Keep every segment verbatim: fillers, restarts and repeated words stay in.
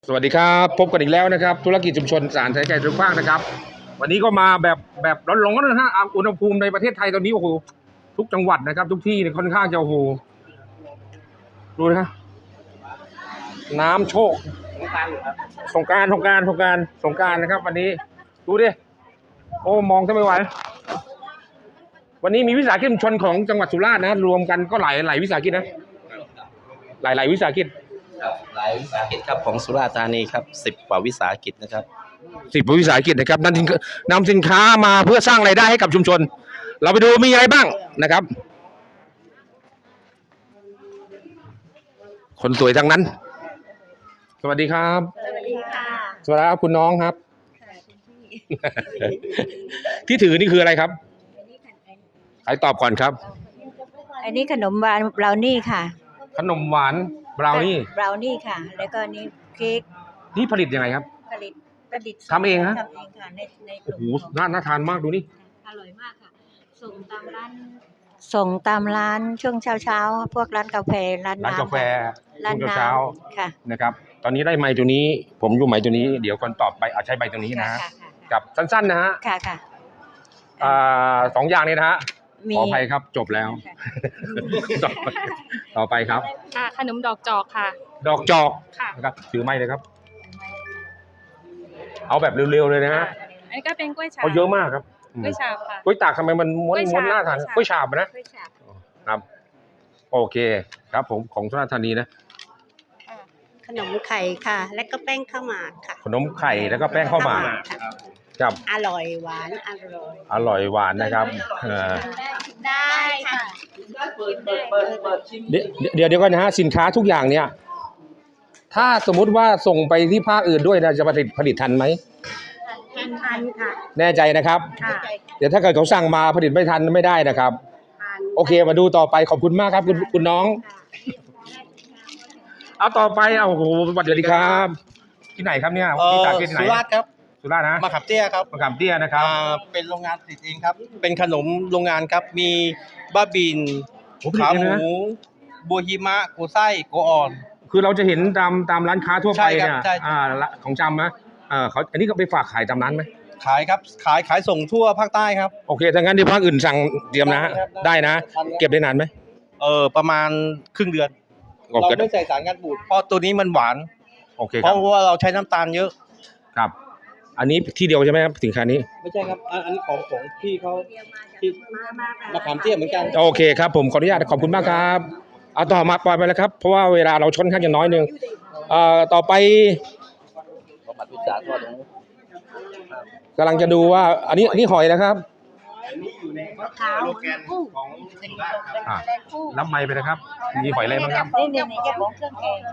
สวัสดีครับพบกันอีกแล้วนะครับธุรกิจชุมชนสารใช้ใจทุกภาคนะครับวันนี้ก็มาแบบแบบร้อนๆนะฮะอุณหภูมิในประเทศไทยตอนนี้โอ้โหทุกจังหวัดนะครับ ทุกที่ค่อนข้างจะโอ้โหดูนะน้ำโชคสงการสงการสงการสงการนะครับ วันนี้ดูดิโอ้มองจะไม่ไหววันนี้มีวิสาหกิจชุมชนของจังหวัดสุราษฎร์นะรวมกันก็หลายหลายวิสาหกิจนะหลายหลายวิสาหกิจหลายวิสาหกิจครับของสุราษฎร์ธานีครับสิบกว่าวิสาหกิจนะครับสิบวิสาหกิจนะครับนำนำสินค้ามาเพื่อสร้างรายได้ให้กับชุมชนเราไปดูมีอะไรบ้างนะครับคนสวยทั้งนั้น สวัสดีครับสวัสดีค่ะสวัสดีครับคุณน้องครับ ที่ถือนี่คืออะไรครับใครตอบก่อนครับอันนี้ขนมหวานบราวนี่ค่ะขนมหวานบราวนี่บราวนี่ค่ะแล้วก็นี่เค้กนี่ผลิตยังไงครับผลิตผลิตทำเองฮะทำเองค่ะในในโอ้โหน่าน่าทานมากดูนี่อร่อยมากค่ะส่งตามร้านส่งตามร้านช่วงเช้าเช้าพวกร้านกาแฟร้านร้านกาแฟร้านเช้าค่ะนะครับตอนนี้ได้ไม้ตัวนี้ผมอยู่ไม้ตัวนี้เดี๋ยวคนตอบไปเอาใช้ใบตัวนี้นะกับสั้นๆนะฮะค่ะค่ะอ่าสองอย่างนี้นะฮะขออภัยครับจบแล้วต่อไปครับค่ะขนมดอกจอกค่ะดอกจอกนะครับถือไม้เลยครับเอาแบบเร็วๆเลยนะฮะอันนี้ก็เป็นกล้วยฉาบเขาเยอะมากครับกล้วยฉาบค่ะกล้วยตากทำไมมันม้วนม้วนหน้าทานกล้วยฉาบนะครับโอเคครับผมของสุราษฎร์ธานีนะขนมไข่ค่ะและก็แป้งข้าวหมากค่ะขนมไข่แล้วก็แป้งข้าวหมากครับอร่อยหวานอร่อยอร่อยหวานนะครับได้ค่ะเดี๋ยวเดี๋ยวเดี๋ยวก่อนนะฮะสินค้าทุกอย่างเนี่ยถ้าสมมุติว่าส่งไปที่ภาคอื่นด้วยนะจะผลิตผลิตทันไหมทันทันค่ะแน่ใจนะครับเดี๋ยวถ้าเกิดเขาสั่งมาผลิตไม่ทันไม่ได้นะครับโอเคมาดูต่อไปขอบคุณมากครับคุณคุณน้องเอาต่อไปเอาโอ้โหสวัสดีครับที่ไหนครับเนี่ยที่จากที่ไหนสุราษฎร์ครับสุราษฎร์นะมะขามเตี้ยครับมะขามเตี้ยนะครับเป็นโรงงานผลิตเองครับเป็นขนมโรงงานครับมีบ้าบินขาหมูบัวหิมะโกไส้โกอ่อนคือเราจะเห็นตามตามร้านค้าทั่วไปเนี่ยอ่าของจำนะอ่าเขาอันนี้ก็ไปฝากขายตามร้านไหมขายครับขายขายส่งทั่วภาคใต้ครับโอเคถ้างั้นที่ภาคอื่นสั่งเตรียมนะได้นะเก็บได้นานไหมเออประมาณครึ่งเดือนเราไม่ใส่สารกันบูดเพราะตัวนี้มันหวานโอเคเพราะว่าเราใช้น้ำตาลเยอะครับอันนี้ที่เดียวใช่ไหมครับสินค้านี้ไม่ใช่ครับอันนี้ของของพี่เขาที่มะขามเตี้ยเหมือนกันโอเคครับผมขออนุญาตขอบคุณมากครับเอาต่อมาปล่อยไปแล้วครับเพราะว่าเวลาเราชนข้างจะน้อยนึงเอ่อต่อไปกำลังจะดูว่าอันนี้อันนี้หอยนะครับขาวกุ้งรับไม้ไปนะครับมีหอยอะไรบ้างครับนี่นี่นี่เจ้าของเครื่องแกง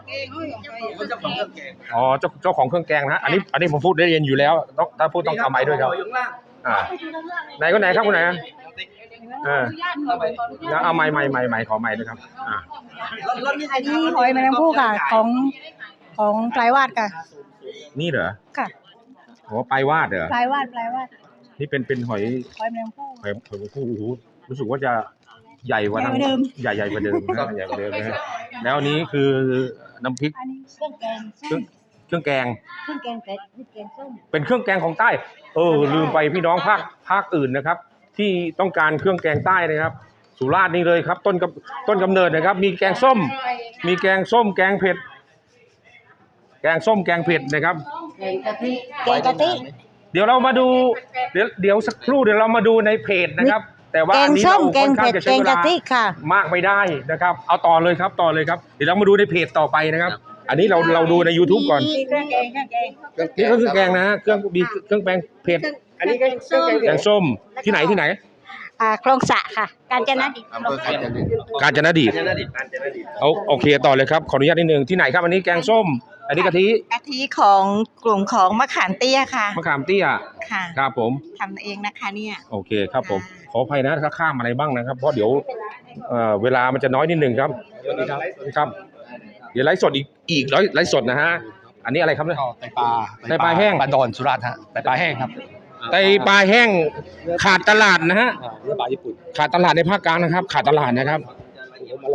อ๋อเจ้าเจ้าของเครื่องแกงนะอันนี้อันนี้ผมพูดได้เย็นอยู่แล้วต้องถ้าพูดต้องทำไม้ด้วยครับอ่าไหนก็ไหนครับคุณไหนอ่าแล้วเอาไม้ไม้ไม้ไม้ขอไม้ด้วยครับอ่าอันนี้หอยแมลงภู่ค่ะของของปลายวาดค่ะนี่เหรอค่ะโอ้ปลายวาดเหรอปลายวาดปลายวาดนี่เป็นเป็นหอยหอยแมลงภู่หอยหอยแมลงภู่โอ้โหรู้สึกว่าจะใหญ่กว่าเดิมใหญ่ใหญ่กว่าเดิมนะใหญ่กว่าเดิมนะแล้วอันนี้คือน้ำพริกอันนี้เครื่องแกงเครื่องแกงเครื่องแกงเผ็ดแกงส้มเป็นเครื่องแกงของใต้เออลืมไปพี่น้องภาคภาคอื่นนะครับที่ต้องการเครื่องแกงใต้นะครับสุราษฎร์นี่เลยครับต้นกับต้นกำเนิดนะครับมีแกงส้มมีแกงส้มแกงเผ็ดแกงส้มแกงเผ็ดนะครับแกงกะทิแกงกะทิเดี๋ยวเรามาดูเดี๋ยวเดี๋ยวสักครู่เดี๋ยวเรามาดูในเพจนะครับแต่ว่าอันนี้เราค่อนข้างจะใช้เวลามากไม่ได้นะครับเอาต่อเลยครับต่อเลยครับเดี๋ยวเรามาดูในเพจต่อไปนะครับอันนี้เราเราดูใน YouTube ก่อนเครื่องแกงเครื่องแกงนี่ก็เครื่องแกงนะเครื่องมีเครื่องแกงเผ็ดอันนี้ก็เครื่องแกงส้มที่ไหนที่ไหนอ่าคลองสะค่ะกาญจนดิตกาญจนดิตเอาโอเคต่อเลยครับขออนุญาตนิดนึงที่ไหนครับอันนี้แกงส้มอันนี้กะทิกะทิของกลุ่มของมะขามเตี้ยค่ะมะขามเตี้ยค่ะครับผมทำเองนะคะเนี่ยโอเคครับผมขออภัยนะถ้าข้ามอะไรบ้างนะครับเพราะเดี๋ยวเอ่อเวลามันจะน้อยนิดนึงครับครับเดี๋ยวไลฟ์สดอีกอีกไลฟ์สดนะฮะอันนี้อะไรครับเนี่ยไตปลาไตปลาแห้งปลาดอนสุราษฎร์ฮะไตปลาแห้งครับไตปลาแห้งขาดตลาดนะฮะปลาญี่ปุ่นขาดตลาดในภาคกลางนะครับขาดตลาดนะครับ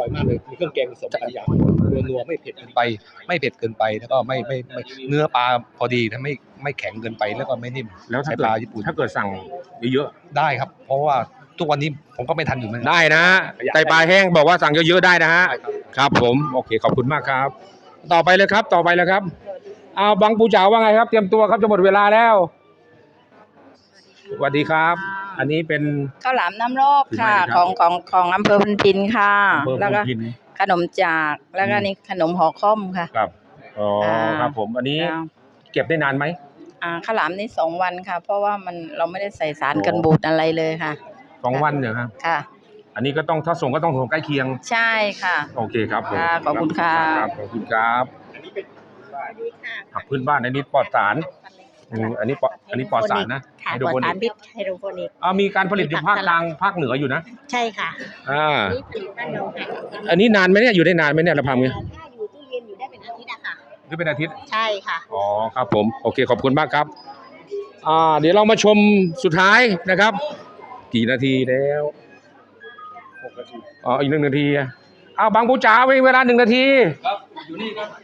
ร่อยมากเลยมีเครื่องแกงผสมหลายอย่างนัวนัวไม่เผ็ดเกินไป ไม่เผ็ดเกินไปแล้วก็ไม่ไม่ไม่เนื้อปลาพอดีนะไม่ไม่แข็งเกินไปแล้วก็ไม่นิ่มแล้วถ้าใช้เกิปดลาญี่ปุ่นถ้าเกิดสั่งเยอะได้ครับ เพราะว่าทุกวันนี้ผมก็ไม่ทันอยู่เหมือนๆกันได้นะฮะไตปลาแห้งบอกว่าสั่งเยอะๆได้นะฮะได้ครับครับผมโอเคขอบคุณมากครับ ต่อไปเลยครับต่อไปเลยครับเอาบางปูจ๋าว่าไงครับ เตรียมตัวครับจะหมดเวลาแล้วสวัสดีครับ อันนี้เป็นข้าวหลามน้ำรอบค่ะถือไม้นะครับของของของอำเภอพันพินค่ะอำเภอแล้วก็พุนพินขนมจากแล้วก็อืมนี่ขนมห่อข้อมค่ะครับอ๋ออา ครับผมอันนี้จ้าเก็บได้นานไหมอ่าข้าวหลามนี่สองวันค่ะ เพราะว่ามันเราไม่ได้ใส่สารโอ้กันบูดอะไรเลยค่ะสองวันเนี่ยครับค่ะอันนี้ก็ต้องถ้าส่งก็ต้องส่งใกล้เคียงใช่ค่ะโอเคครับผมค่ะขอบคุณค่ะรับขอบคุณครับผักพื้นบ้านอันนี้ปลอดสารอืมอันนี้ปลอดอันนี้ปลอดสารนะค่ะไฮปโดลอรดโปนิสาก รพิษไฮโดรโปนิกอ่ามีการผลิตอยู่ภาคกลางภาคเหนืออยู่นะใช่ค่ะอ่านี่ผลิตบ้านเราค่ะอันนี้นานไหมเนี่ยอยู่ได้นานไหมเนี่ยเราทำไงถ้าอยู่ตู้เย็นอยู่ได้เป็นอาทิตย์อะค่ะหรือเป็นอาทิตย์ใช่ค่ะอ๋อครับผมโอเคขอบคุณมากครับ อ่า เดี๋ยวเรามาชมสุดท้ายนะครับ กี่นาทีแล้วอ๋ออีกหนึ่งนาทีอ่ะอ้าวบางปูจ๋าเวลาหนึ่งนาทีครับอยู่นี่ครับ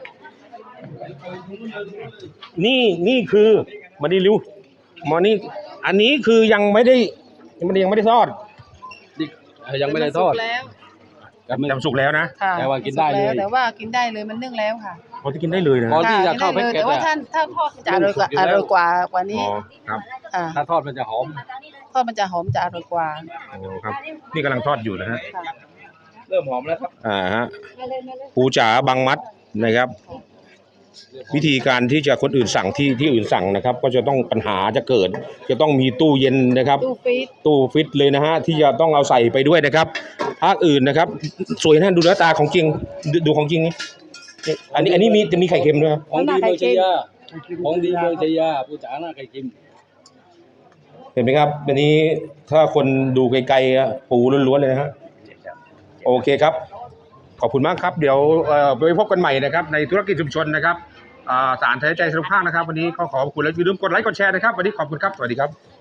นี่นี่คือมาดีริวมานี่อันนี้คือยังไม่ได้มันยังไม่ได้ทอดยังไม่ได้ทอดแล้วยังไม่ยำสุกแล้วนะค่ะแต่ว่ากินได้เลยแต่ว่ากินได้เลยมันนึ่งแล้วค่ะพอที่กินได้เลยนะพอที่จะค่ะเข้ากินได้เลยแพ็กเกจแต่ว่าอะถ้าถ้าทอดจะอร่อยกว่าสุกอยู่อแล้วร่อยกว่ากว่านี้อ๋อครับอ่าถ้าทอดมันจะหอมทอดมันจะหอมจะอร่อยกว่าอ๋อครับ นี่กำลังทอดอยู่นะฮะค่ะเริ่มหอมแล้วครับอ่าฮะปูจ๋าบางมัดนะครับ วิธีการที่จะคนอื่นสั่งที่ที่อื่นสั่งนะครับ ก็จะต้องปัญหาจะเกิด จะต้องมีตู้เย็นนะครับตู้ฟีดตู้ฟิตเลยนะฮะที่จะต้องเอาใส่ไปด้วยนะครับภาคอื่นนะครับ สวยนะดูหน้าตาของจริงดูดูของจริงนี่นี่อันนี้อันนี้มีจะมีไข่เค็มด้วยครับของดีเมืองชัยยาของดีเมืองชัยยาผู้จ๋าหน้าไก่กิมเห็นไหมครับอันนี้ถ้าคนดูไกลๆอะปูล้วนๆเลยนะฮะโอเคครับ ขอบคุณมากครับ เดี๋ยวเอ่อไปพบกันใหม่นะครับ ในธุรกิจชุมชนนะครับอ่าสารไทยใจสนุกภาคนะครับ วันนี้ขอขอบคุณและอย่าลืมกดไลค์กดแชร์นะครับ วันนี้ขอบคุณครับสวัสดีครับ